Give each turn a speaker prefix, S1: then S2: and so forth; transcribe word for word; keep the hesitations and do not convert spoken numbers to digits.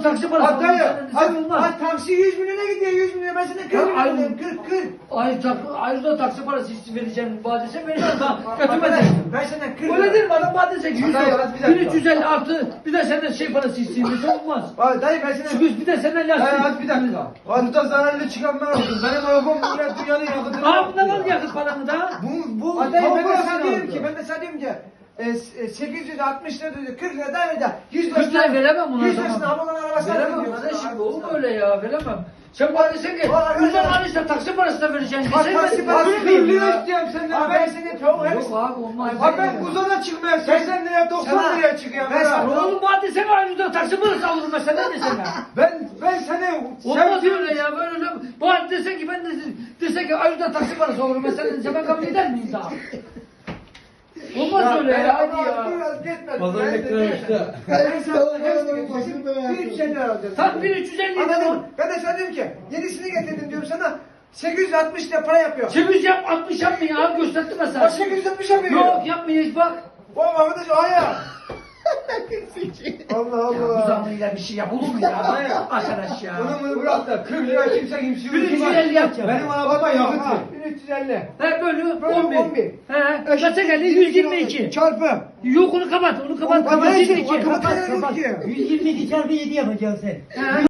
S1: taksi parası.
S2: At dayı.
S1: Sen
S2: At,
S1: olmaz.
S2: at taksi yüz milyona gidiyor yüz milyon. Ben sana kırk
S1: Ya,
S2: milyon
S1: ay-
S2: dedim. kırk kırk.
S1: Ay tak, ayrıca taksi parası isti vereceğim vadese vereceğim ben
S2: Arkadaş
S1: götürmedim.
S2: ben senden kırk
S1: Öyle değil mi adam vadese yüz
S2: Dayı, hadi bir dakika.
S1: bin üç yüz elli artı bir de senden şey parası isteyeyim olmaz.
S2: Ay dayı ben sana...
S1: Çünkü bir de senden
S2: Dayı
S1: lastik.
S2: hadi bir dakika. Hatta zararlı çıkan ben oldum. Benim arabam millet dünyanın yakıtını...
S1: Aa bundan al yakıt paranı da.
S2: Bu, bu...
S1: Ay,
S2: dayı ben de
S1: parasını
S2: sana diyorum
S1: aldı.
S2: ki, ben de sana diyorum ki... E, s- e, sekiz yüz altmış lira dedi, kırk lira da öyle. yüz
S1: kırk lira veremem buna
S2: yüz
S1: o zaman.
S2: lirasını Amokan arabasına
S1: Veremem
S2: veriyor.
S1: kardeşim olur mu öyle ya veremem. Sen bana desen ki
S2: O arkadaşlar-
S1: yüzden alırsa taksi parası da vereceksin.
S2: Bak
S1: Desen
S2: taksi
S1: ben
S2: parası
S1: verir
S2: kırk
S1: miyim
S2: lira
S1: ya?
S2: istiyorum senden. Abi ben seni tavuğu hepsi...
S1: Yok abi olmaz.
S2: Abi ben buzona çıkmaya seksen liraya doksan Sana- liraya çıkıyorum. Ben sana-
S1: Oğlum bana desene ayrıca taksi parası alırım ben senden desene.
S2: Ben ben seni
S1: Olmaz
S2: sevdim.
S1: öyle ya böyle öyle. Bana desen ki ben de desen ki ayrıca taksi parası alırım ben senden desem ben kabul eder miyim daha? Olmaz öyle ya hadi ya.
S2: Pazar beklemişti. Ben sana hepsini bir üç elli lira alacağım.
S1: Tam bin üç yüz elli
S2: Anladın
S1: lira.
S2: mı? Ben de sana diyorum ki yenisini getirdim diyorum sana. sekiz yüz altmış lira para yapıyor.
S1: sekiz yüz yap altmış yapmayın abi gösterdim ben sana.
S2: Bak sekiz yüz altmış yapıyor.
S1: Yok yapmayın hiç bak.
S2: O arkadaş aya. Allah
S1: Ya bu
S2: Allah.
S1: zamıyla bir şey yapılır mı ya? Arkadaş ya.
S2: Bunu bunu bırak da kırk lira kimse kimse
S1: bin üç yüz elli yapacağım.
S2: Benim arabama yakıt ver. bin üç yüz elli.
S1: He böyle
S2: Böyle
S1: on bir.
S2: on bir.
S1: He kaça geldi? yüz yirmi iki.
S2: Çarpı.
S1: Yok onu kapat onu kapat.
S2: Kapat,
S1: Kapat.
S2: kapat, kapat, kapat.
S1: yüz yirmi iki çarpı yedi yapacaksın sen. He.